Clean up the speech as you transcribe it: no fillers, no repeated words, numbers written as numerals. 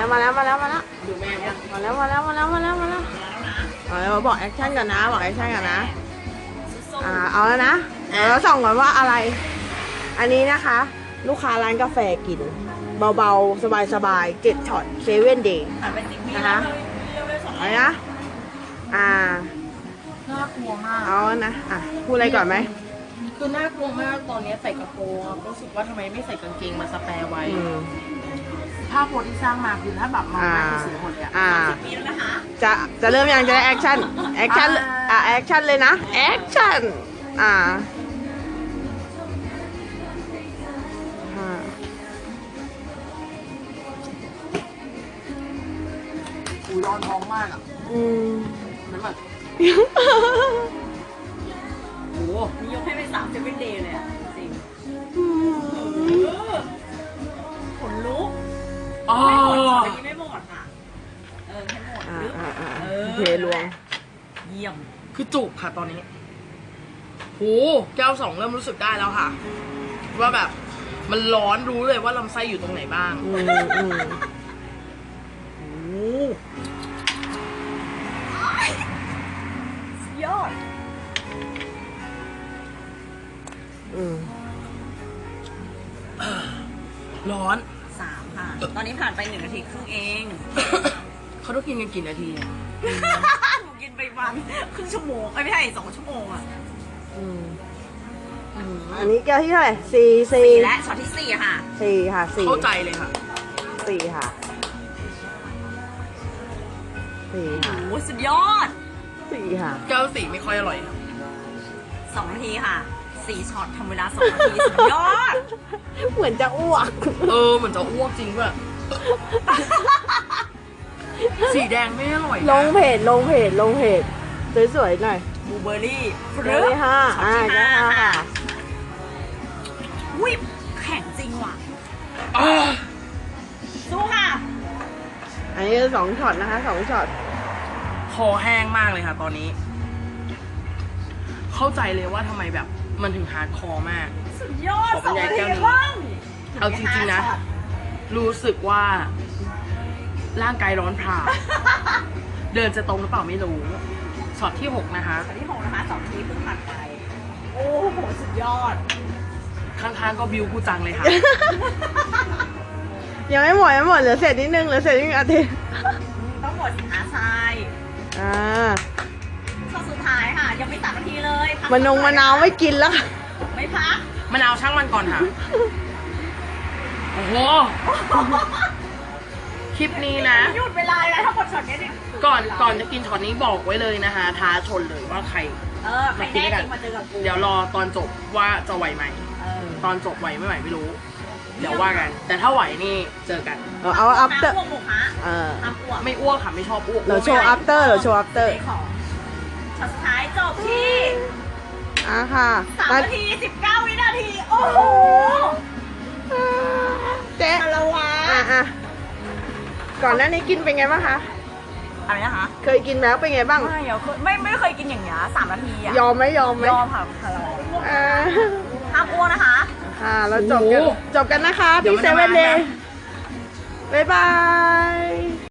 แล้วดูแม่ยังมาแล้วเราบอกแอคชั่นกันนะบอกแอคชั่นกันนะเอาแล้วนะเราส่องก่อนว่าอะไรอันนี้นะคะ ลูกค้าร้านกาแฟกินเบาๆสบายๆ7 ช็อต7 Day นะคะอะไรนะน่ากลัวมากเอานะพูดอะไรก่อนไหมคือน่ากลัวมากตอนนี้ใส่กระโปรงรู้สึกว่าทำไมไม่ใส่กางเกงมาสแปร์ไว้ภาพโพสที่สร้างมาคือถ้าแบบมองหน้าคือเสียหมดเลย10 ปีแล้วนะคะจะเริ่มยังจะได้แอคชั่นแอคชั่นเลยนะแอคชั่นร้อนท้องมากมันแบบโอ้มียกให้ไป7 Day เลยจริงขนลุกไม่หมดค่ะให้หมดเทลวงเยี่ยมคือจุกค่ะตอนนี้โหแก้ว2เริ่มรู้สึกได้แล้วค่ะว่าแบบมันร้อนรู้เลยว่าลำไส้อยู่ตรงไหนบ้างยอดร้อน3ค่ะตอนนี้ผ่านไป1 นาทีครึ่งเองเขาต้องกินกันกี่นาทีหนูกินไปวันครึ่งชั่วโมงไม่ใช่2 ชั่วโมงอันนี้แก้วที่เท่าไหร่4 และช็อตที่4ค่ะ 4ค่ะ4 เข้าใจเลยค่ะ 4ค่ะ4ค่ะโอ้สุดยอด 4ค่ะแก้ว4ไม่ค่อยอร่อย2 นาทีค่ะ4 ช็อตทำเวลา2 นาทีสุดยอดเหมือนจะอ้วกเหมือนจะอ้วกจริงด้วยสีแดงไม่อร่อยลงเพจสวยๆหน่อยบลูเบอร์รี่ช็อตที่5ค่ะวิบแข็งจริงว่ะสู้ค่ะอันนี้2 ช็อตนะคะ2 ช็อตคอแห้งมากเลยค่ะตอนนี้เข้าใจเลยว่าทำไมแบบมันถึงฮาร์ดคอร์มากสุดยอดขอบรรยายแก้วนี้เอาจริงๆนะรู้สึกว่าร่างกายร้อนผาเดินจะตรงหรือเปล่าไม่รู้ช็อตที่6นะคะช็อตที่6นะคะ2 ทีเพิ่งผ่านไปโอ้โหสุดยอดข้างๆก็บิวกูจังเลยค่ะยังไม่หมดเหลือเศษนิดนึงอาทิตย์ต้องหมดอาทรายช่วงสุดท้ายค่ะยังไม่3 นาทีเลยมะนาวไม่กินแล้วไม่พักมะนาวช่างมันก่อนค่ะโอ้โหคลิปนี้นะหยุดเวลาแล้วถ้าหมดช็อตนี้ก่อนจะกินช็อตนี้บอกไว้เลยนะคะท้าชนเลยว่าใครมากินกันเดี๋ยวรอตอนจบว่าจะไหวไหมตอนจบไหวไม่ไหวไม่รู้เดี๋ยวว่ากันแต่ถ้าไหวนี่เจอกันเอาอัพเตอร์ไม่อ้วกค่ะไม่ชอบอ้วกเราโชว์อัพเตอร์ช็อตสุดท้ายจบที่ค่ะ 3 นาที 19 วินาทีโอ้โหเจ๊ละวะก่อนหน้านี้กินเป็นไงบ้างคะอะไรนะคะเคยกินแล้วเป็นไงบ้างไม่เคยกินอย่างเงี้ย3 นาทียอมไหมยอมค่ะห้ามอ้วนนะคะเราจบกันนะคะที่7 Dayบ๊ายบาย